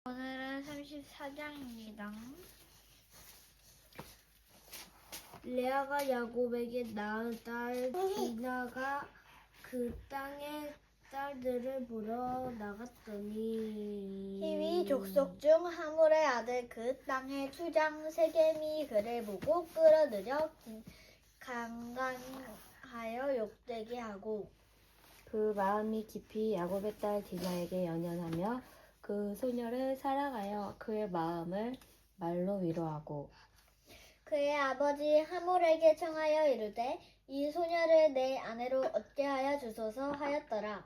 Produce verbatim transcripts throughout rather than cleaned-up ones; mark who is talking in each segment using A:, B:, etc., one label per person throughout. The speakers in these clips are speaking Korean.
A: 오늘은 삼십사 장입니다.
B: 레아가 야곱에게 낳은 딸 디나가 그 땅의 딸들을 보러 나갔더니
A: 히위 족속 중 하물의 아들 그 땅의 추장 세겜이 그를 보고 끌어들여 강간하여 욕되게 하고
C: 그 마음이 깊이 야곱의 딸 디나에게 연연하며 그 소녀를 사랑하여 그의 마음을 말로 위로하고
A: 그의 아버지 하물에게 청하여 이르되 이 소녀를 내 아내로 얻게 하여 주소서 하였더라.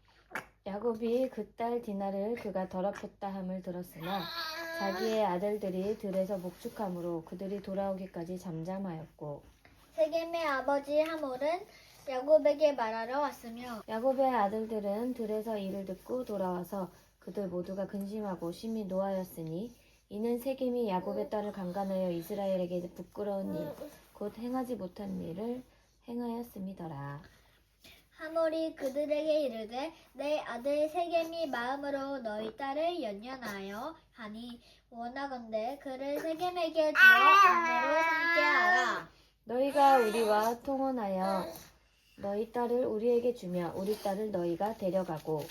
C: 야곱이 그 딸 디나를 그가 더럽혔다 함을 들었으나 자기의 아들들이 들에서 목축함으로 그들이 돌아오기까지 잠잠하였고
A: 세겜의 아버지 하물은 야곱에게 말하러 왔으며
C: 야곱의 아들들은 들에서 이를 듣고 돌아와서 그들 모두가 근심하고 심히 노하였으니 이는 세겜이 야곱의 딸을 강간하여 이스라엘에게 부끄러운 일, 곧 행하지 못한 일을 행하였음이더라.
A: 하물이 그들에게 이르되 내 아들 세겜이 마음으로 너희 딸을 연연하여 하니 원하건대 그를 세겜에게 주어 아내로 삼게 하라.
C: 너희가 우리와 통혼하여 너희 딸을 우리에게 주며 우리 딸을 너희가 데려가고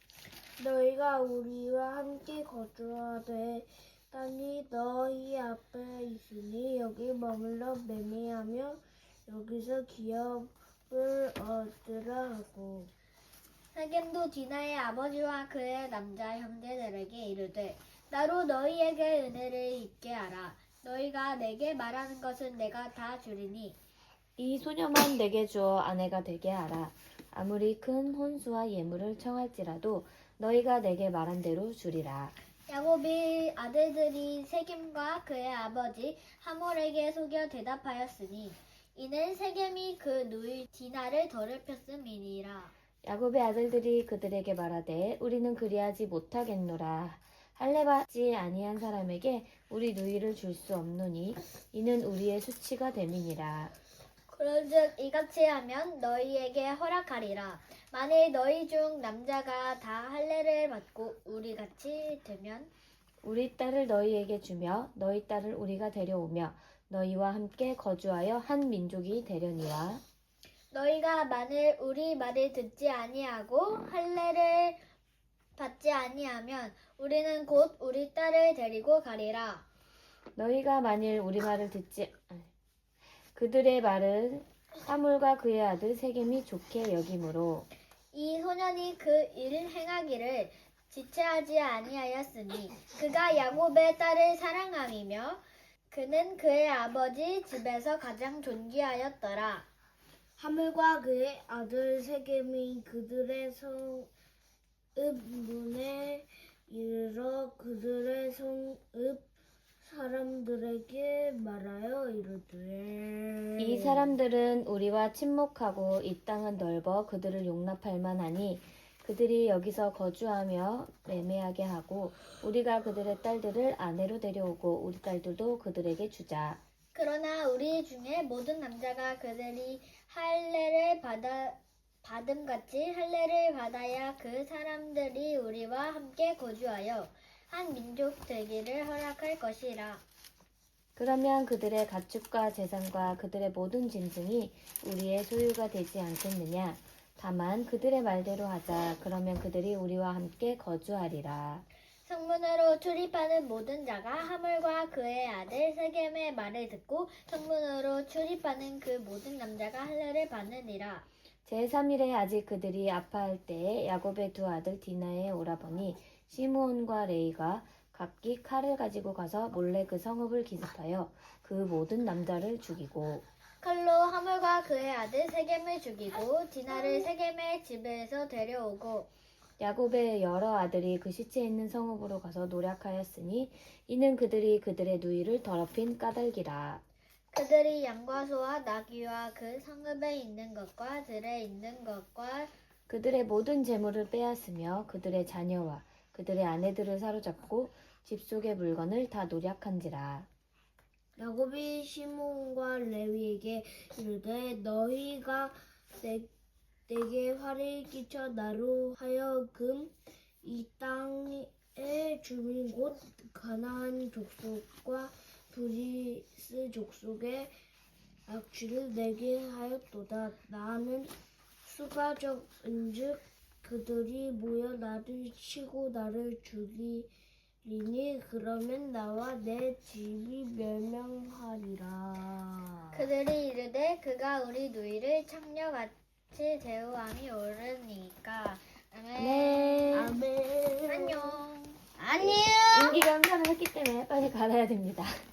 B: 너희가 우리와 함께 거주하되 땅이 너희 앞에 있으니 여기 머물러 매매하며 여기서 기업을 얻으라 하고
A: 세겜도 디나의 아버지와 그의 남자 형제들에게 이르되 나로 너희에게 은혜를 입게 하라. 너희가 내게 말하는 것은 내가 다 주리니
C: 이 소녀만 내게 주어 아내가 되게 하라. 아무리 큰 혼수와 예물을 청할지라도 너희가 내게 말한 대로 주리라.
A: 야곱이 아들들이 세겜과 그의 아버지 하몰에게 속여 대답하였으니 이는 세겜이 그 누이 디나를 더럽혔음이니라.
C: 야곱의 아들들이 그들에게 말하되 우리는 그리하지 못하겠노라. 할례받지 아니한 사람에게 우리 누이를 줄 수 없노니 이는 우리의 수치가 됨이니라.
A: 그런즉 이같이 하면 너희에게 허락하리라. 만일 너희 중 남자가 다 할례를 받고 우리 같이 되면
C: 우리 딸을 너희에게 주며 너희 딸을 우리가 데려오며 너희와 함께 거주하여 한 민족이 되려니와
A: 너희가 만일 우리 말을 듣지 아니하고 할례를 받지 아니하면 우리는 곧 우리 딸을 데리고 가리라.
C: 너희가 만일 우리 말을 듣지 그들의 말을 하물과 그의 아들 세겜이 좋게 여기므로
A: 이 소년이 그 일을 행하기를 지체하지 아니하였으니 그가 야곱의 딸을 사랑함이며 그는 그의 아버지 집에서 가장 존귀하였더라.
B: 하물과 그의 아들 세겜이 그들의 성읍 문에 이르러 그들의 성읍 사람들에게 말하여 이르되
C: 이 사람들은 우리와 친목하고 이 땅은 넓어 그들을 용납할 만하니 그들이 여기서 거주하며 매매하게 하고 우리가 그들의 딸들을 아내로 데려오고 우리 딸들도 그들에게 주자.
A: 그러나 우리 중에 모든 남자가 그들이 할례를 받아 받음같이 할례를 받아야 그 사람들이 우리와 함께 거주하여 한 민족 되기를 허락할 것이라.
C: 그러면 그들의 가축과 재산과 그들의 모든 짐승이 우리의 소유가 되지 않겠느냐? 다만 그들의 말대로 하자. 그러면 그들이 우리와 함께 거주하리라.
A: 성문으로 출입하는 모든 자가 하물과 그의 아들 세겜의 말을 듣고 성문으로 출입하는 그 모든 남자가 할례를 받느니라.
C: 제삼 일에 아직 그들이 아파할 때에 야곱의 두 아들 디나의 오라버니 시므온과 레이가 각기 칼을 가지고 가서 몰래 그 성읍을 기습하여 그 모든 남자를 죽이고
A: 칼로 하물과 그의 아들 세겜을 죽이고 디나를 세겜의 집에서 데려오고
C: 야곱의 여러 아들이 그 시체 있는 성읍으로 가서 노략하였으니 이는 그들이 그들의 누이를 더럽힌 까닭이라.
A: 그들이 양과 소와 나귀와 그 성읍에 있는 것과 들에 있는 것과
C: 그들의 모든 재물을 빼앗으며 그들의 자녀와 그들의 아내들을 사로잡고 집 속의 물건을 다 노략한지라.
B: 야곱이 시몬과 레위에게 이르되 너희가 내, 내게 화를 끼쳐 나로 하여금 이 땅에 땅의 주민 곧 가나안 족속과 브리스 족속의 악취를 내게 하였도다. 나는 수가 적은즉 그들이 모여 나를 치고 나를 죽이리니 그러면 나와 내 집이 멸망하리라.
A: 그들이 이르되 그가 우리 누이를 창녀같이 대우함이 옳으니까. 아멘.
C: 네.
B: 아멘.
A: 안녕.
B: 안녕.
C: 인기가 음산을 했기 때문에 빨리 갈아야 됩니다.